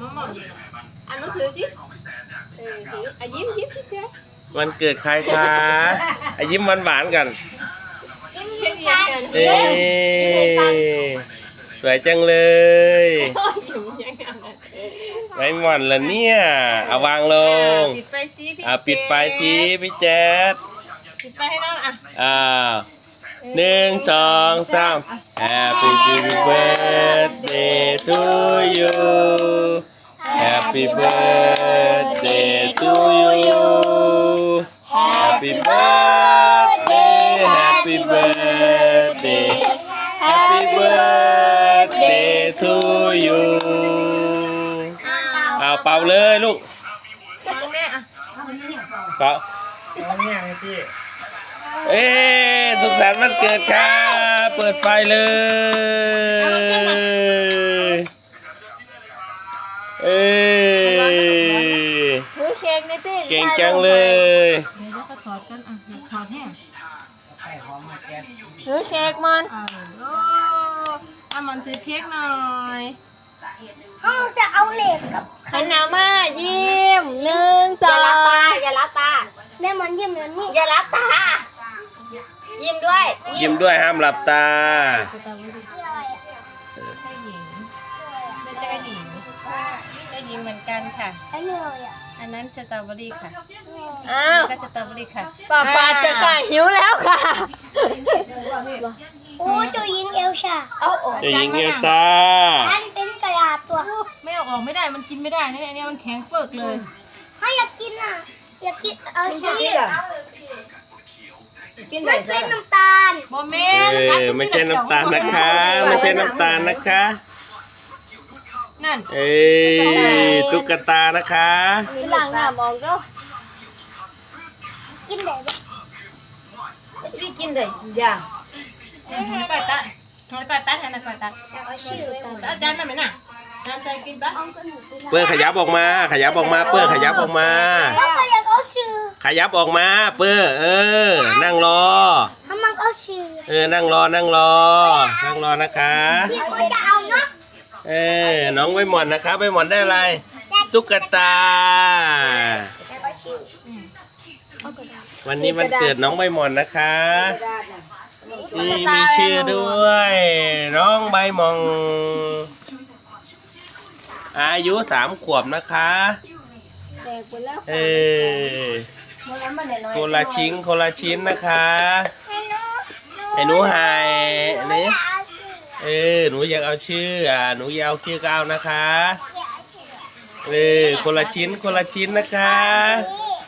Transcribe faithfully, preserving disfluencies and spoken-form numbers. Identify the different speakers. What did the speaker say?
Speaker 1: มอมอันนู้นถือสิเออถืออ่ะยิ้มยิ้มเฉย
Speaker 2: วันเกิดใครคะอ่ะยิ้มหวานๆกัน
Speaker 3: ยิ้ม
Speaker 1: ๆ
Speaker 3: ยิ้
Speaker 1: เรีย
Speaker 3: ม
Speaker 1: น
Speaker 3: กั
Speaker 1: กัน น
Speaker 2: เอ้สวยจังเลย
Speaker 1: โอ้ยยิ้มยังไง
Speaker 2: ไม่หม่อนละเนี่ยเอาวางลง
Speaker 1: ปิดไฟสิพี่
Speaker 2: อ่ะปิดไฟทีพี่แจ๊ด
Speaker 1: ปิดไฟให้น้องอ่ะ
Speaker 2: อ่าหนึ่งสองสาม Happy birthday to you Happy birthday to you Happy birthday Happy birthday Happy birthday to you
Speaker 1: อ้าว
Speaker 2: เอาเป่าเลยลูก
Speaker 1: ฟังแม่อ่ะ
Speaker 2: เป่า
Speaker 4: เอาเนี่ยไงพี่
Speaker 2: เอ้สุขสันต์วันเกิดค่ะเปิดไฟเลยเอ้ย
Speaker 3: ถือเค้กในตี้
Speaker 2: เก่งจังเลย
Speaker 1: เดี๋ยวเขาถอดกันอ่ะถอดแห้ง
Speaker 4: ไข่หอมมาแก๊ส
Speaker 3: ถือเค้กมัน
Speaker 1: อ่าโอ้อามันถือเค้กหน่อย
Speaker 3: เขาจะเอาเหล็กกับขันหนามายิ้มหนึ่งส
Speaker 1: อ
Speaker 3: อย่าง
Speaker 1: รับตาอย่ารับตา
Speaker 3: แม่มันยิ้มแบบนี้
Speaker 1: อย่ารับตา ยิ้มด้วย
Speaker 2: ยิ้มด้วยห้ามหลับตา
Speaker 1: สตรอเบอรี่
Speaker 3: อะไรอ่ะ
Speaker 1: ได้หญิงได้เจ้าหญิงได้หญิงเหมือนกันค่ะ
Speaker 3: อันนี้อะไรอ่ะ
Speaker 1: อันนั้นสตรอเบอรี่ค่ะ
Speaker 3: อ้าว
Speaker 1: ก็สตรอเบอรี่ค่ะ
Speaker 3: ป้าป้าจะค่ะหิวแล้วค่ะโอ้เจ้าหญิงเอลชา
Speaker 1: เอาออก
Speaker 2: เจะยิงเอ
Speaker 1: จาน
Speaker 2: ล
Speaker 1: มา
Speaker 2: ซ่า
Speaker 3: อันเป็นกระดาษตัว
Speaker 1: ไม่เอาออกไม่ได้มันกินไม่ได้นะอันนี้มันแข็งเปิกเลย
Speaker 3: เขาอยากกินอ่ะ อยากกินเอาชีสมันเป็นน้ำตาล
Speaker 1: โมเม
Speaker 2: เอน
Speaker 1: ต์
Speaker 2: อไม่ใช่น้ำตาลนะคะ ไม่ใช่น้ำตาลนะคะ
Speaker 1: นั่น
Speaker 2: เอ้ยตุ๊กตานะคะ
Speaker 3: มีหลังหน้ามองก็กินได้ปะ
Speaker 1: พี่กินเลยอย่างให้ไปตัดให้ไปตัดให้นะไปตัด
Speaker 3: อยากเอาชื่อไป
Speaker 1: อาจารย์นั่นไหมน่ะอาจารย์ใจกินปะ
Speaker 3: เอาก็หนูไป
Speaker 2: เปื้อนขยับออกมา ขยับออกมา เปื้อนขยับออกมา
Speaker 3: แล้วก็อยากเอาชื่อ
Speaker 2: ขยับออกมา เปื้อนเออ นั่งรอ
Speaker 3: ถ้ามันเอาชื่อ
Speaker 2: เออ นั่งรอ นั่งรอ นั่งรอนะคะ
Speaker 3: พี่ก็จะเอาเนาะ
Speaker 2: เออ น้องใบหม่อนนะคะใบหม่อนได้อะไร ตุ๊กตา
Speaker 3: อยากเอาชื่อเอากระดาษ
Speaker 2: วันนี้วันเกิดน้องใบหม่อนนะคะนี่มีชื่อด้วย น้องใบหม่อนอายุสามขวบนะคะ
Speaker 3: แตกไปแล้ว
Speaker 2: เออคนละชิ้นคนละชิ้นนะคะ
Speaker 3: ให้หนู
Speaker 2: ไอ้หนูหายอันนี้
Speaker 3: อยากเอาชื่อ
Speaker 2: เออหนูอยากเอาชื่ออ่าหนูอยากเอาชื่อก็เอานะคะ
Speaker 3: อยากเอาชื่อ
Speaker 2: เออคนละชิ้นคนละชิ้นนะคะ
Speaker 3: นี่